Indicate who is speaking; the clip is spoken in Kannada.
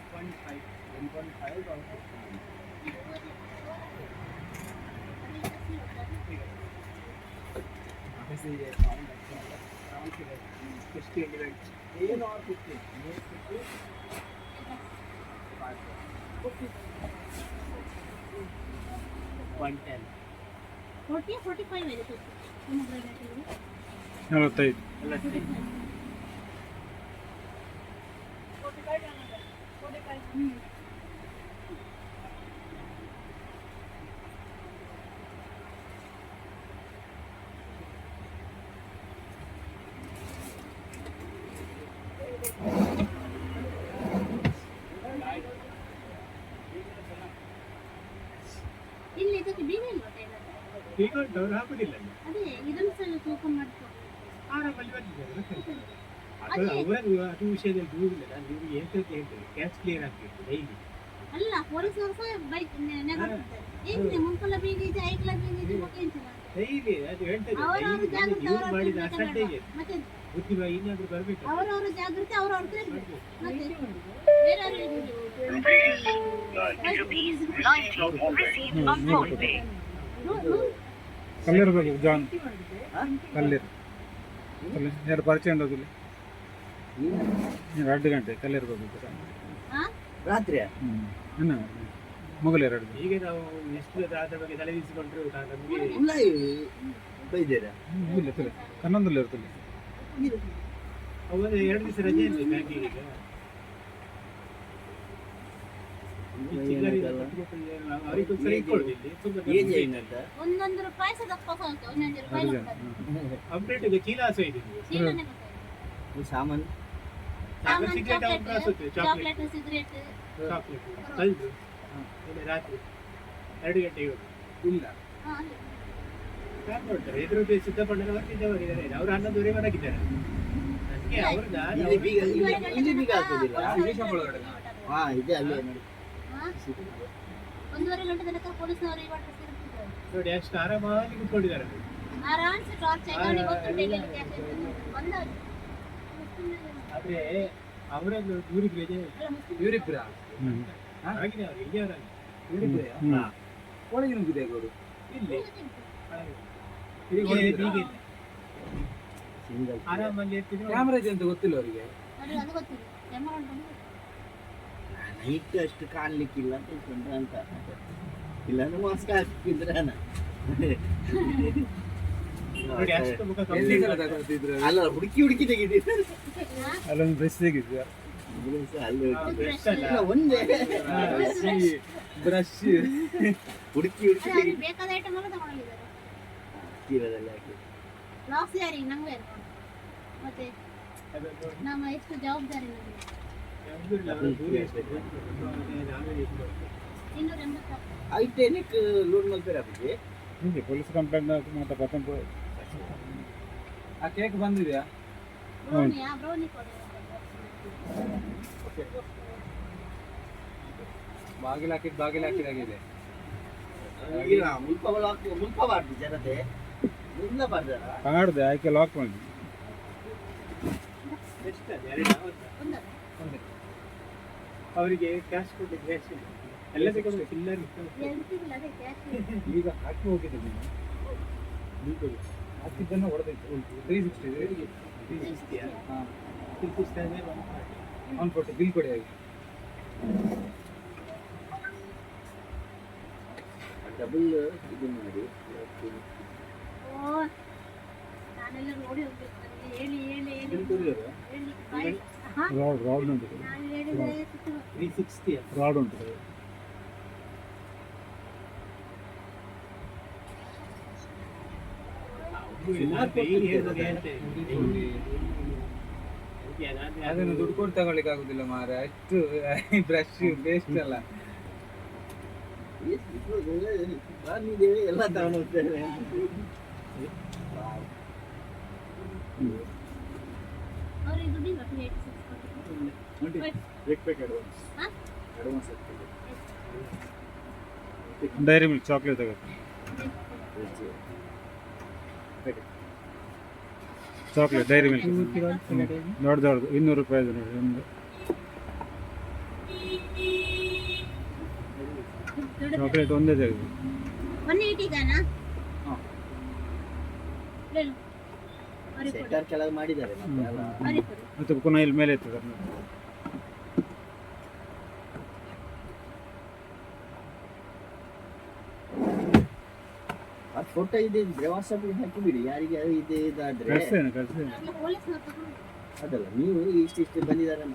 Speaker 1: 1.5 obviously they found that around 50 individuals. Male or 50? Male 50? 110.
Speaker 2: 40 45 ಇದೆ pomegranate ಇದು
Speaker 3: 45
Speaker 2: ಇಲ್ಲಿ ಇದಕ್ಕೆ ಬೀಗ ಇಲ್ವಾ ಟೈಲರ್
Speaker 1: ಈಗ ಡೌನ್ ಹಾಕುದಿಲ್ಲ ಅಲ್ಲಿ.
Speaker 2: ಅದೇ ಇದನ್ನು ಸಹ ತೂಕ ಮಾಡ್ಕೊ
Speaker 1: ಆರಾಮಲ್ಲಿ ಬಂದಿದ್ದಾರೆ ಅದು ಅವರದು ಅದು ವಿಷಯದಲ್ಲಿ ದೂರಿಲ್ಲ. ನಾನು ನಿಮಗೆ ಹೇಳ್ತೇನೆ ಹೇಳ್ತೇನೆ ಕ್ಯಾಚ್ ಕ್ಲಿಯರ್ ಆಗ್ಬೇಕು ಡೈಲಿ.
Speaker 2: ಅಲ್ಲ ಪೊಲೀಸರು ಸಹ ಬೈಕ್ ನೆಗಾಡ್ತಾರೆ ಏನಿದೆ ಮುಂಕಲ ಬೀಗ ಇದೆ ಐಕ್ಲ ಬೀಗ ಇದೆ ಮತ್ತೆ ಎಂತಿಲ್ಲ
Speaker 1: ಡೈಲಿ ಅದು ಹೇಳ್ತೇನೆ
Speaker 2: ಅವರವರು ಜಾಗೃತಿ
Speaker 1: ಯೂಸ್ ಮಾಡಿದ ಅಷ್ಟೇ
Speaker 2: ಮತ್ತೆ
Speaker 1: ಬುದ್ಧಿ ಇನ್ನಾದ್ರೂ ಬರಬೇಕು.
Speaker 2: ಅವರವರ ಜಾಗೃತಿ ಅವರವ್ರ ತಿಳ್ಬೇಕು ಮತ್ತೆ ಬೇರೆ
Speaker 3: ಕಲ್ಲಿರ್ಬೇಕು ಜಾನ್ ಕಲ್ಲಿರ್ ಎರಡು ಪರಿಚಯ ಉಂಟೋದಿಲ್ಲ 2 ಗಂಟೆ ಕಲ್ಲಿರ್ಬೇಕು
Speaker 1: ರಾತ್ರಿಯ
Speaker 3: ಇನ್ನು ಮುಗಲು 2
Speaker 1: ಈಗ ನಾವು ಎಷ್ಟು ಆದ ಬಗ್ಗೆ ತಲೆಬಿಸಿಕೊಂಡ್ರು ನಮಗೆ ಬೈದೇರಾ
Speaker 3: ಇಲ್ಲ ತಲೆ ಕನ್ನೊಂದಲ್ಲಿ ಇರ್ತದೆ
Speaker 1: ಅವರು 2 ದಿವಸ ರಜೆ ಇರಲಿ ಬ್ಯಾಂಕಿಗೆ.
Speaker 2: ಒಂದೊಂದು ರೂಪಾಯಿ ಸಹ ದಪ್ಪ ಸಾಕು ಒಂದೊಂದು ರೂಪಾಯಿ
Speaker 1: ಅಪ್ಡೇಟ್ ಚೀಲ ಸಾಮಾನು
Speaker 2: ಚಾಕ್ಲೇಟ್ ಸಿಗರೇಟ್
Speaker 1: ಕಲ್ದು ರಾತ್ರಿ 2 ಗಂಟೆಗೆ ಇಲ್ಲ ಎದುರು ಸಿದ್ದಪಣ್ಣನ ವರ್ತಿದ್ದವರಿದ್ದಾರೆ ಅವರು 11 ಮಲಗಿದ್ದಾರೆ. ಅದಕ್ಕೆ
Speaker 2: ಒಂದೂವರೆ ಗಂಟೆ ತನಕ ಪೊಲೀಸ್ನವರು
Speaker 1: ನೋಡಿ ಅಷ್ಟು ಆರಾಮಾಗಿ ಕುತ್ಕೊಂಡಿದ್ದಾರೆ.
Speaker 2: ಆರಾಮ್ಸೆ ಟಾರ್ಚ್
Speaker 1: ಆದ್ರೆ ಅವರನ್ನು ಊರಿಗೆ ರಜೆ ಇವರಿಬ್ಬರ ಆಗಿದೆ ಅವರು ಇಲ್ಲಿಯವರಾಗಿ ಒಳಗೆ ನುಗ್ಗಿದೆ ಅವರು ಇಲ್ಲಿ ಆರಾಮಲ್ಲಿ ಇರ್ತಿದ್ರು. ಕ್ಯಾಮ್ರಾ ಇದೆ ಅಂತ ಗೊತ್ತಿಲ್ಲ ಅವರಿಗೆ. ನೈಟ್ ಅಷ್ಟು ಕಾಣ್ಲಿಕ್ಕಿಲ್ಲ ಅಂತ ಇಟ್ಕೊಂಡ್ರೆ ಅಂತ ಇಲ್ಲಾಂದ್ರೆ ಮಾಸ್ಕ್ ಹಾಕಿದ್ರೆ ಅಲ್ಲ ಹುಡುಕಿ ಹುಡುಕಿ ತೆಗಿದ್ರು
Speaker 3: ಅಲ್ಲೊಂದು ಬ್ರಷ್ ತೆಗಿದ್ವಿ
Speaker 1: ಒಂದೇ ಬ್ರಷ್ ಹುಡುಕಿ ಹುಡುಕಿ
Speaker 2: ಬೇಕಾದ ಐಟಮ್ ಎಲ್ಲ ತಗೊಂಡಿದ್ದಾರೆ
Speaker 1: ತೀರದಲ್ಲಿ ಹಾಕಿ
Speaker 2: ಲಾಸ್ ಯಾರಿಗೆ ನಂಗೆ ಮತ್ತೆ ನಮ್ಮ ಎಷ್ಟು ಜವಾಬ್ದಾರಿ ನಮಗೆ 280
Speaker 1: ಐಟೆನಿಕ್ ಲೋನ್ ಮಾಡ್ತಾರೆ ಅದಕ್ಕೆ
Speaker 3: ಹಿಂಗೆ ಪೊಲೀಸ್ ಕಂಪ್ಲೇಂಟ್ ಮಾತ್ರ ಪತ್ತೊಂದು
Speaker 1: ಆ ಕೇಕ್ ಬಂದಿದೆಯಾ?
Speaker 2: ಬ್ರೌನಿ ಕೊಡಿ
Speaker 1: ಬಾಗಿಲು ಹಾಕಿದಾಗಿದೆ. ಮುಲ್ಪ ಮಾಡ್ತೀವಿ ಜನತೆ ಇಲ್ಲ ಬರ್ದಾರ
Speaker 3: ಕಾಡ್ದೆ ಆಯ್ಕೆ ಲಾಕ್ ಮಾಡಿ
Speaker 1: ಅವರಿಗೆ ಕ್ಯಾಶ್ ಕೊಡ್ಲಿಕ್ಕೆ ಎಲ್ಲ ತಗೊಂಡು ಚಿಲ್ಲರ್ ಈಗ ಹಾಕಿ ಹೋಗಿದೆ ಹಾಕಿದ್ದನ್ನು ಹೊಡೆದೈತೆ 360 ಹಾಂ 140 ಬಿಲ್ ಕೊಡಿ ಆಗಿ ಡಬಲ್ ಇದು ಮಾಡಿ
Speaker 2: ನಾನೆಲ್ಲ ನೋಡಿ ಹೋಗ್ಬೇಕು ಹೇಳಿ
Speaker 3: ರಾಡ್ ಉಂಟು
Speaker 1: 360
Speaker 3: ರಾಡ್ ಉಂಟು
Speaker 1: ಅದನ್ನು ದುಡ್ಡು ಕೊಟ್ಟು ತಗೊಳ್ಳಿಕ್ಕೆ ಆಗುದಿಲ್ಲ ಮಾರ ಅಷ್ಟು ಬ್ರಷ್ ಪೇಸ್ಟ್ ಎಲ್ಲ ಎಲ್ಲ ತಗೊಂಡು ಹೋಗ್ತೇವೆ.
Speaker 3: ಡೈರಿ ಮಿಲ್ಕ್ ಚಾಕ್ಲೇಟ್ ತಗೋ ಚಾಕ್ಲೇಟ್ ಡೈರಿ ಮಿಲ್ಕ್ ದೊಡ್ಡದು 200 ರೂಪಾಯಿ ನೋಡಿ ಒಂದು ಚಾಕ್ಲೇಟ್ ಒಂದೇ ತೆಗೆದು
Speaker 2: 180 ಗಾನಾ
Speaker 4: ಹಾ.
Speaker 2: ಹೇಳು ಅವರಿಗೆ ಕೊಡು
Speaker 4: ಸೆಂಟರ್ ಕೆಳಗೆ ಮಾಡಿದ್ದಾರೆ ಮತ್ತೆ ಅಲ್ಲ
Speaker 2: ಅವರಿಗೆ ಕೊಡು
Speaker 3: ಮತ್ತೆ ಪುನಃ ಇಲ್ಲಿ ಮೇಲೆ ಇರ್ತದೆ
Speaker 4: ಆ ಫೋಟೋ ಇದೆ ಇದ್ರೆ ವಾಟ್ಸಪ್ಗೆ ಹಾಕಿ ಬಿಡಿ ಯಾರಿಗೆ ಇದೆ ಇದಾದ್ರೆ
Speaker 3: ಕಳಿಸ್ತೇನೆ
Speaker 2: ಪೊಲೀಸ್
Speaker 4: ಅದಲ್ಲ ನೀವು ಇಷ್ಟು ಬಂದಿದ್ದಾರೆ ಅಂತ